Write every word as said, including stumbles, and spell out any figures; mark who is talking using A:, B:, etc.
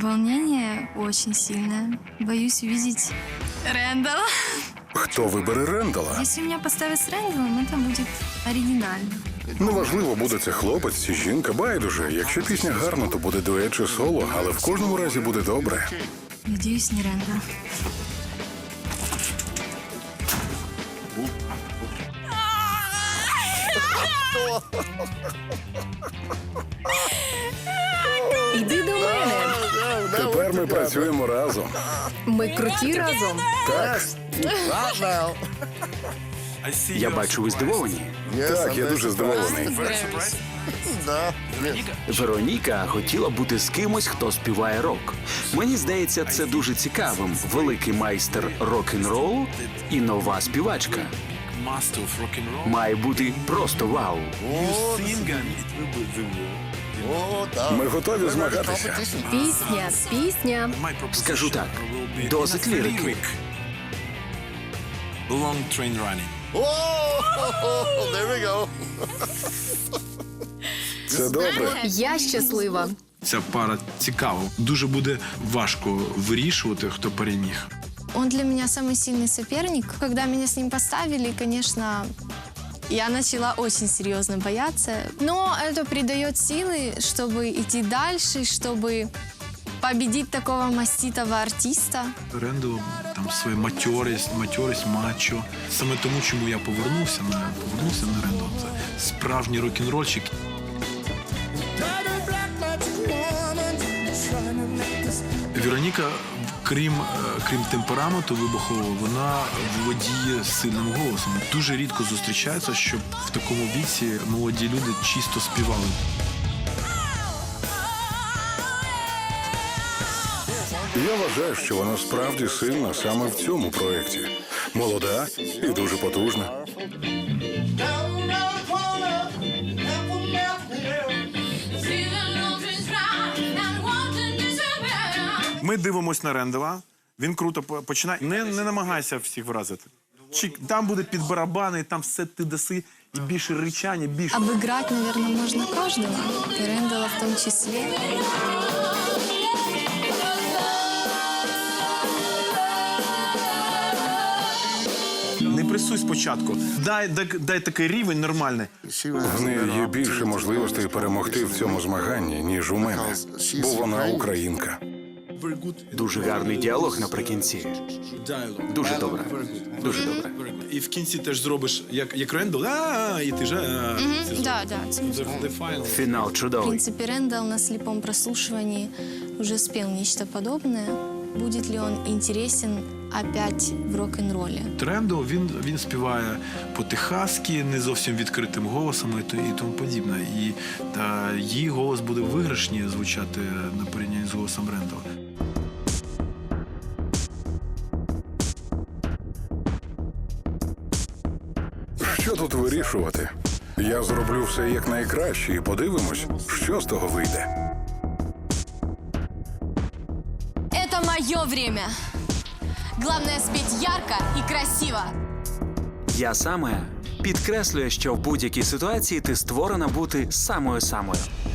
A: Волнение очень сильное. Боюсь увидеть Рэндала.
B: Хто вибере Рендала?
A: Если меня поставят с Рэндалом, это будет оригинально.
B: Неважливо, буде це хлопець чи жінка, байдуже. Якщо пісня гарна, то буде дует чи соло, але в кожному разі буде добре.
A: Надеюсь, не Рэндал.
C: Іди до мене.
B: Тепер ми працюємо разом.
C: Ми круті разом.
B: Так,
D: Я бачу, ви здивовані.
B: так, я дуже здивований.
D: Вероніка хотіла бути з кимось, хто співає рок. Мені здається, це дуже цікавим. Великий майстер рок-н-ролу і нова співачка. Має бути просто вау.
B: Ми готові змагатися.
C: Пісня, пісня.
D: Скажу так, досить лірики.
E: Long train running.
B: Це добре.
C: Я щаслива.
E: Ця пара цікава. Дуже буде важко вирішувати, хто переміг.
A: Он для меня самый сильный соперник. Когда меня с ним поставили, конечно, я начала очень серьезно бояться. Но это придает силы, чтобы идти дальше, чтобы победить такого маститого артиста.
E: Рендел там своя матьорість, матьорість, мачо. Саме тому, чому я повернувся на повернувся на Рендел. Це справжній рок-н-рольщик. Вероніка, крім, е, крім темпераменту вибухового, вона володіє сильним голосом. Дуже рідко зустрічається, щоб в такому віці молоді люди чисто співали.
B: Я вважаю, що вона справді сильна саме в цьому проєкті. Молода і дуже потужна.
E: Ми дивимось на Рендела, він круто по- починає. Не, не намагайся всіх вразити. Чик, там буде під барабани, там все ти даси, і більше ричання, більше.
A: Обыграть, наверное, можно каждого, и Рэндала в том числе.
E: Не пресуй спочатку. Дай, дай, дай такий рівень нормальний.
B: В неї є більше можливостей перемогти в цьому змаганні, ніж у мене. Бо вона українка.
D: Дуже гарний діалог наприкінці. Дуже добре. Дуже добре.
E: І в кінці теж зробиш, як, як Рендел, а і ти ж. а, це
A: Да, да.
E: the- the final.
D: Фінал
A: В
D: чудовий.
A: принципе, Рэндал на слепом прослушивании уже спел нечто подобное. Будет ли он интересен опять в рок-н-ролле?
E: Рендел, він, він співає по-техаськи, не зовсім відкритим голосом і, то- і тому подібне. І та, її голос буде виграшніше звучати на порівнянні з голосом Рендела.
B: Що тут вирішувати? Я зроблю все як найкраще і подивимось, що з того вийде.
A: Это мое время. Главное спеть ярко и красиво.
D: Я саме підкреслюю, що в будь-якій ситуації ти створена бути самою-самою.